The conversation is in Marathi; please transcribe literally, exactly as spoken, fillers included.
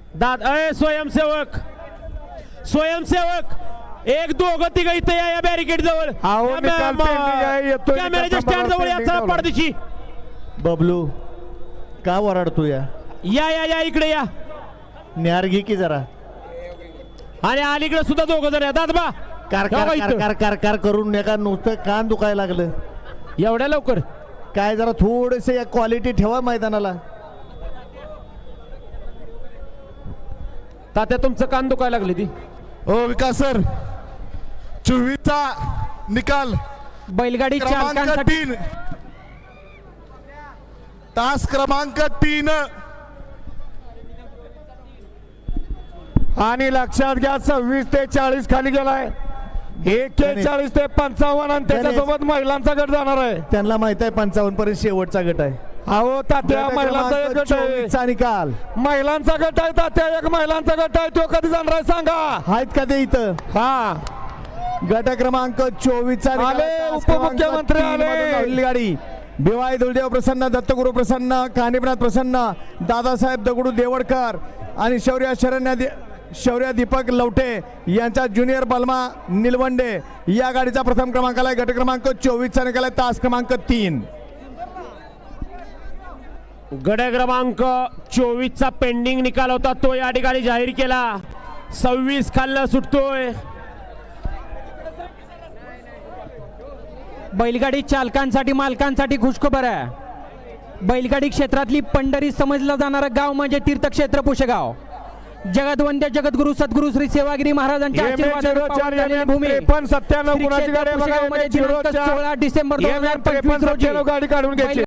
दाद अय स्वयंसेवक स्वयंसेवक एक दोघं तिघ इथे या या बॅरिकेड जवळ अहो, निकाल पेंडिंग आहे, येतोय कॅमेऱ्याच्या निकाल स्टँड जवळ या पेंडिंग चला लावला. पडदिशी बबलू का वराडतो या या या या इकडे या न्यार घे की जरा आणि अलीकडे सुद्धा दोघं जण या दादबा कार का कार बा कार इथं? कार कार कार करून नका नुसतं कान दुखायला लागलं एवढ्या लवकर काय जरा थोडेसे या क्वालिटी ठेवा मैदानाला तात्या तुमचं कान दुखायला लागले ती ओ विकास सर चोवीसचा निकाल बैलगाडी क्रमांक चालकांसाठी तीन तास क्रमांक तीन आणि लक्षात घ्या सव्वीस ते चाळीस खाली गेलाय एक्केचाळीस ते पंचावन्न आणि त्याच्यासोबत महिलांचा गट जाणार आहे. त्यांना माहित आहे पंचावन्न पर्यंत शेवटचा गट आहे अहो तात्या गट महिलांचा एक क्रमांक गट आहे चोवीसचा निकाल महिलांचा गट आहे तात्या एक महिलांचा गट आहे तो कधी जाणार आहे सांगा. आहेत का ते इथं हा गट क्रमांक चोवीसचा निकाल आले, आहे. तास उपमुख्यमंत्री क्रमांक तीन आले. मधून धावलेली गाडी भिवाई दुर्देव प्रसन्न दत्तगुरु प्रसन्न कानिपनाथ प्रसन्न दादासाहेब दगडू देवडकर आणि शौर्य शरण्य दे- शौर्य दीपक लवटे यांचा ज्युनियर बलमा निलवंडे या गाडीचा प्रथम क्रमांकाला आहे. गट क्रमांक चोवीसचा निकाल आहे. तास क्रमांक तीन गड क्रमांक चोवीसचा पेंडिंग निकाल होता तो या ठिकाणी जाहीर केला. सव्वीस खाल्ला सुटतोय. बैलगाडी चालकांसाठी मालकांसाठी खुशखबर आहे. बैलगाडी क्षेत्रातली पंढरी समजलं जाणारं गाव म्हणजे तीर्थक्षेत्र पुशेगाव. जगदवंद्य जगद्गुरु सद्गुरु श्री सेवागिरी महाराजांच्या एम एच आशीर्वादाने झिरो चार पावन झालेली एम एच भूमी त्रेपन्न सत्त्याण्णव श्री कुणाची क्षेत्र गाडी आहे बघा, पुशेगावमध्ये एम एच झिरो दिनांक चार सोळा डिसेंबर दोन एम एच हजार त्रेपन्न पंचवीस रोजी सत्त्याण्णव गाडी काढून घ्यायची.